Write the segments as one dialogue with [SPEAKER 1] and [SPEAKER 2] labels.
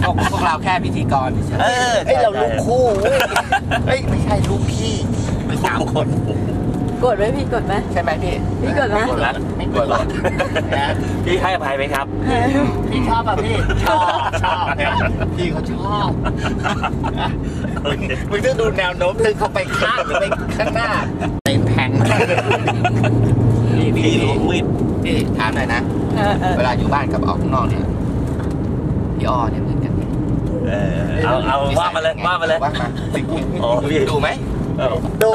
[SPEAKER 1] พวกเราแค่พิธีกรเฉยๆเราลูกคู่เฮ้ยไม่ใช่ลูกพี่เป็น3 คน
[SPEAKER 2] กดไหมพี่กดไหม
[SPEAKER 1] ใช่ไหมพี่
[SPEAKER 2] กดไหม
[SPEAKER 1] ไม่กดหรอก
[SPEAKER 3] พี่ให้อภัยไหมครับ
[SPEAKER 1] พี่ชอบอ่ะพี่ชอบเนี่ยพี่เขาชอบมึงต้องดูแนวโน้มถึงเขาไปข้างหรือไปข้างหน้าเป็นแทง
[SPEAKER 3] พี่ล้วงมีด
[SPEAKER 1] พี่ถามหน่อยนะเวลาอยู่บ้านกับออกข้างนอกเนี่ยพี่อ้อเนี่ยเหมือนกันไหม
[SPEAKER 3] เอาว่ามาเลยว่ามาเลย
[SPEAKER 1] ว่ามาพี่ดูไหมดู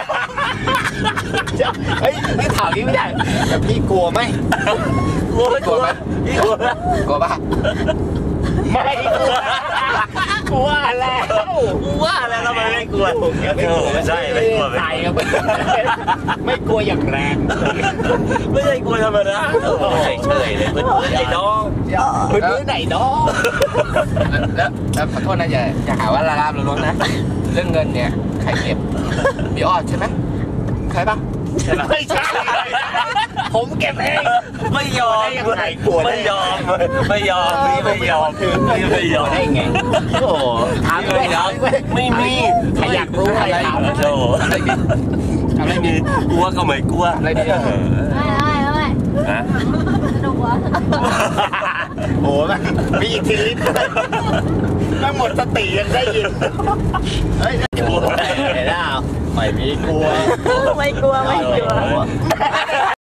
[SPEAKER 1] เฮ้ยนี่ถามนี้ไม่ได้แต่พี่กลัวไหม
[SPEAKER 3] กลัวไหมพี่กลัว
[SPEAKER 1] กลัวป่ะไม่กลัวแล้ว
[SPEAKER 3] ทำไมไม่กลัวไม่ใช่ไม่กลัว
[SPEAKER 1] ใจครับไม่กลัวอย่างแรง
[SPEAKER 3] ไม่ใช่กลัวธรรมดาเฉยเลยเพื่อนไอ้น้อง
[SPEAKER 1] เพื่อนไหนน้องแล้วขอโทษนะอย่าหาว่าละลาบละล้วงนะเรื่องเงินเนี่ยใครเก็บพี่อ้อใช่ไหมใครปะไม่ใช่ผมเก็บเอง
[SPEAKER 3] ไม่ยอมไม่ยอม
[SPEAKER 1] ได้ไงโอ้ถามเลยนะไม่มีใครอยากรู้อะไรถามโอ้อะไรมี
[SPEAKER 3] กลัวก็ไม่กลัว
[SPEAKER 1] อะไรดี
[SPEAKER 2] ไม่สนุกวะ
[SPEAKER 1] โอ้มันมีอิทธิฤทธิ์แม่หมดสติยังได้ยินเฮ้ยกลัวไม่ได้ไม่มีกลัว
[SPEAKER 2] ไม่กลัว